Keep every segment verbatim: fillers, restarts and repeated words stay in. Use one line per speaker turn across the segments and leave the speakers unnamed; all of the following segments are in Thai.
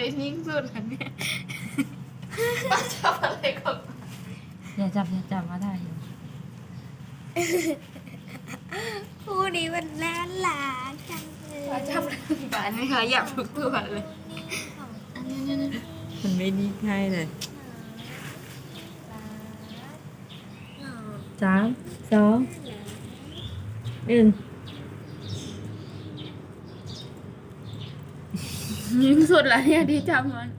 นิ่งสุดอันเนี้ยมาจับอะไรก่อน
อย่าจับอย่าจับมาได้อยู่
คู่นี้มันน่ารักจังเลย
มาจับอะไรบ้านนะคะอยากทุกตัวเลยอันนี้นี่นี่
มันไม่นิ่งง่ายเลยสามสองหนึ่ง
นิ่งสุดแล้วเนี่ยที่จับมัน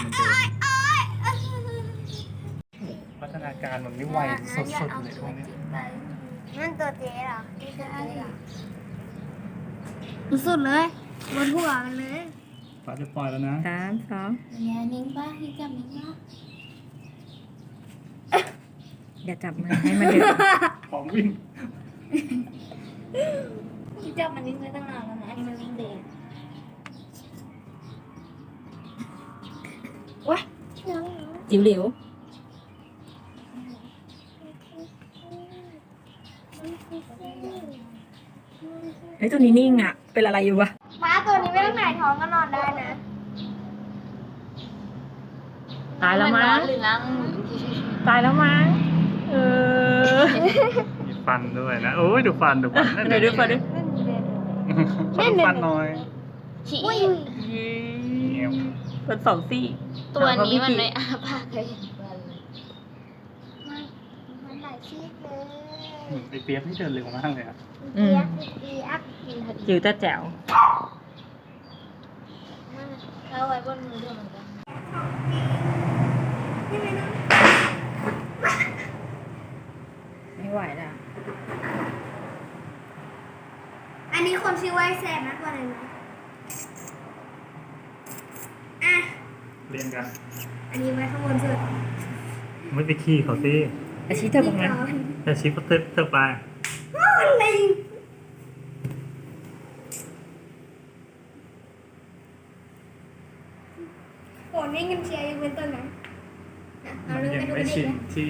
พัฒนาการมันไม่ไวสุดๆเลยพวกนี้
นั่นตัวเจ๊เหรอนี่ตัวเจ๊เหรอ
สุดเลย
บนหัวมันเลย
ฟ้าจะปล่อยแล้วนะ
สามสอง
อย่านิ่งป่ะที่จับนิ่งป่ะ
อย่าจับมันให้มันเดือด
ของวิ่ง
ที่จับมันนิ่งไว้ตั้งนานแล้วนะอันนี้มันนิ่งเด็กว้า
จิ๋วหลิวเฮ้ยตัวนี้นิ่งอ่ะ เป็นอะไรอยู่วะ
ม้าตัวนี้ไม่ต้องหงายท้องก็นอนได้นะ
ตายแล้วมั้ง
หรือนั่ง
ตายแล้วมั้งเออ
มีฟันด้วยนะ โอ้ยดูฟันดูฟัน
ไหนดูฟันดิ
ขอดูฟันหน่อย
ขี้
เงี้ยว
ฟันสองซี่
ตัวนี้มันไม่อาปากเลยเห็นฟันเลย
มันหลายชีพเลย
ไอเปียกนี่เดินเร็วมากเลยอ่ะ
เปียกเปียก
กินพอดี
จิ๋วแต่แจ๋ว
ถ้าไว้บนมือด้วยเหมือนกัน
ไม่ไหวแล้ว
อันนี้คนชื่อว่าแซมมากกว่าเลยนะอ่ะ
เรียนกัน
อันนี้ไว้ข้างบนสุด
ไม่ไปขี้เขาสิ
อาชีพเธอตรงนั้น
แต่ชิปก็เติบเติบไป
อะไรโหนี่เงินเชียร์ยังเป็นต้นนะอ่ะเอา
มัน
เรื่อง
ยัง
ไปดู
ไม่
กันดี
ชิน
นะ
ที่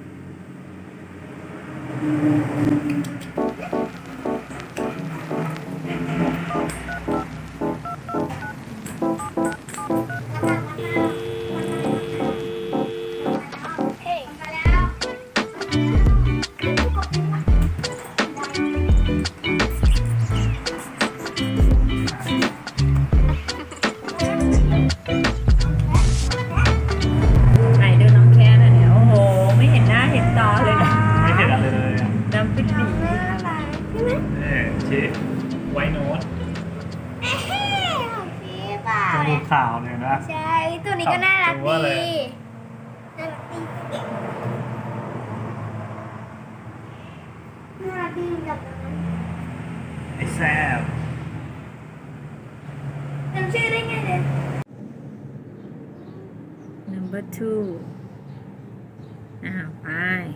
เฮ้ยมาแล้ว
ไหนดูน้องแค่น่ะเนี่ยโอ้โห ไม่เห็นหน้าเห็นตาเลยนะ
ไม่เห็นอะไรเลยอ่ะ
ดำปิดปี
น่ารักใช่ไหม
นี่ชิไว้โน้ต
เอ้ยของพี่เปล่า
จมูกขาวเลยนะ
ใช่ ตัวนี้ก็น่ารัก
ตัวอะไร
ดีน่ารักดีน่ารักดีกับนั้น
ไอ้แซ่บ
จำชื่อได้ไงเนี่ย
number two อ้าวไป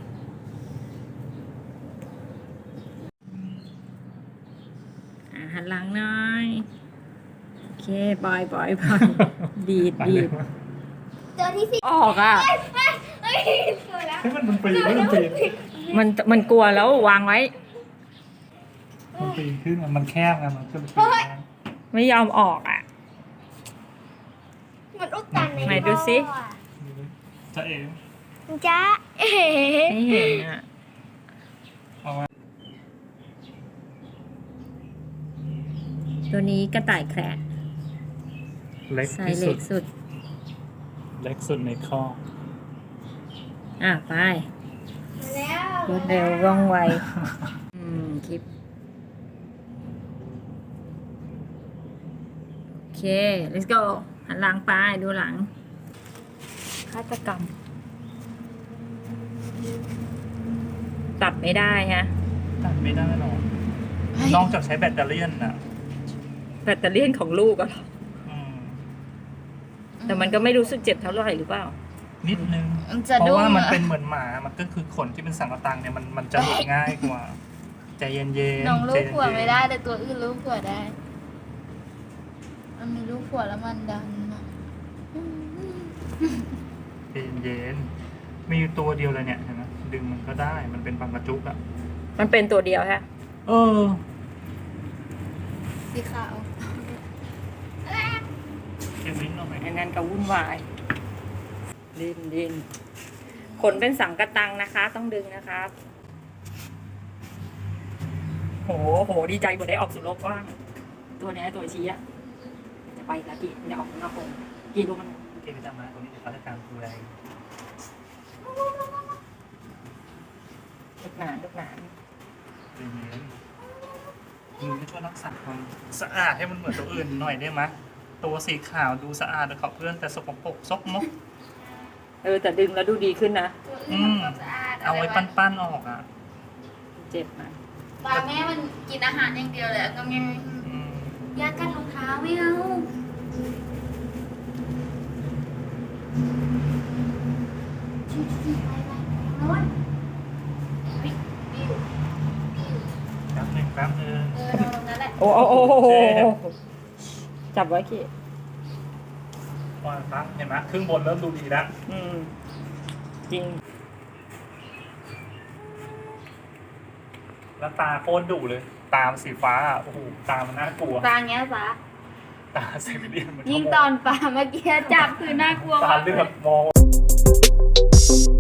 อ่ะหันหลังหน่อยโอเคปล่อยปล่อยปล่อยดีด
ไป
ดี
เลย
ด
ตัวที่สี่
ออกอ่ะ
เฮ้ยเฮ้ยสวยแล้ว
ให้มันมันปีนให้มันปีน
มันมันกลัวแล้ววางไว้
มันปีนขึ้นมันแคบไงมันก็ปีนได้
ไม่ยอมออกอ่ะ
มันอุดตันใน
ไหนดูสิ
ท่ออะ
จะเอ๋
จ๊ะเอ๋
ไม่เห็นอ่ะ
เอามา
ตัวนี้กระต่ายแคระ
เล็ก
ไซส์
ที่
เล็
สุ
ก
ด
สุด
เล็กสุดในข้อ
อ่ะไป
มาแล้ว
รวดเร็วว่องไวอืมคลิปโอเค let's go หันหลังไปดูหลังฆาตกรรม ตัดไม่ได้ฮะ
ตัดไม่ได้หรอกนอกจากใช้แบตเตอรี่น่ะ
แบตเตอรี่ของลูกอะเหรอ
อืม
แต่มันก็ไม่รู้สึกเจ็บเท่าไหร่หรือเปล่า
นิดนึง
มันจะ
เพ
ดุ้
ราะ
ง
ว่ามัน
อะ
เป็นเหมือนหมา มันก็คือขนที่เป็นสังกะตังเนี่ยมันมันจะหลุดง่ายกว่า ใจเย็นๆ
น้องลู
ใจ
ก
เย็นๆ
ผัวไม่ได้แต่ตัวอื่นลูกผัวได้ มันมีลูกผัวแล้วมันดันอะ
ใจเย็นๆมีอยู่ตัวเดียวเลยเนี่ยเห็นไหมดึงมันก็ได้ มันเป็นปังกระจุกอะ
มันเป็นตัวเดียวฮะ
เออ
สีขาว
เก็บลิ้นหน่อย
อันนั้นก็วุ่นวายดินดินขนเป็นสังกะตังนะคะ ต้องดึงนะครับโหโหดีใจกว่าได้ออกสู่โลกกว้าง ตัวเนี้ยตัวชี้อะจะไปแล้วกี่จะออกนอกกรงกี่ดูมัน
เก็บไปทำมาตรงนี้เดี๋ยวเขาจะการดูแล
ลูกหนานลูกหนาน
เป็นเน้นมือจะช่วยรักษาความสะอาดให้มันเหมือนตัวอื่นหน่อยได้ไหมตัวสีขาวดูสะอาดแต่เขาเพื่อนแต่สกปรกซกมก
เออแต่ดึงแล้วดูดีขึ้นนะ
ตัวอื่นทำความสะอาด
เอาไว้ปั้นๆออกอ่ะ
เจ็บนะ
ปลาแม่มันกินอาหารอย่างเดียวเลยก็ไม่
อืม
ยากันรองเท้าไม่เอาไปไปโน้นปิ้วปิ้วปิ้ว
แป๊บหนึ่งแป๊บหนึ่ง
เออนอนตรงนั้นแหละ
โอ้โอ้โอ้โอ้จับไว้กี่
ปล่อยปั๊บเห็นไหมครึ่งบนเริ่มดูดีแล้ว
อืมจริง
แล้วตาโคตรดุเลย ตามนสีฟ้าอ่ะโอ้โหตามันน่ากลัว
ปลาเงี้ยปลา
ตาเซเรียนมัน
ยิ่งตอนปลาเมื่อกี้จับคือน่ากลัว
ตาม
าก
เลือกมอง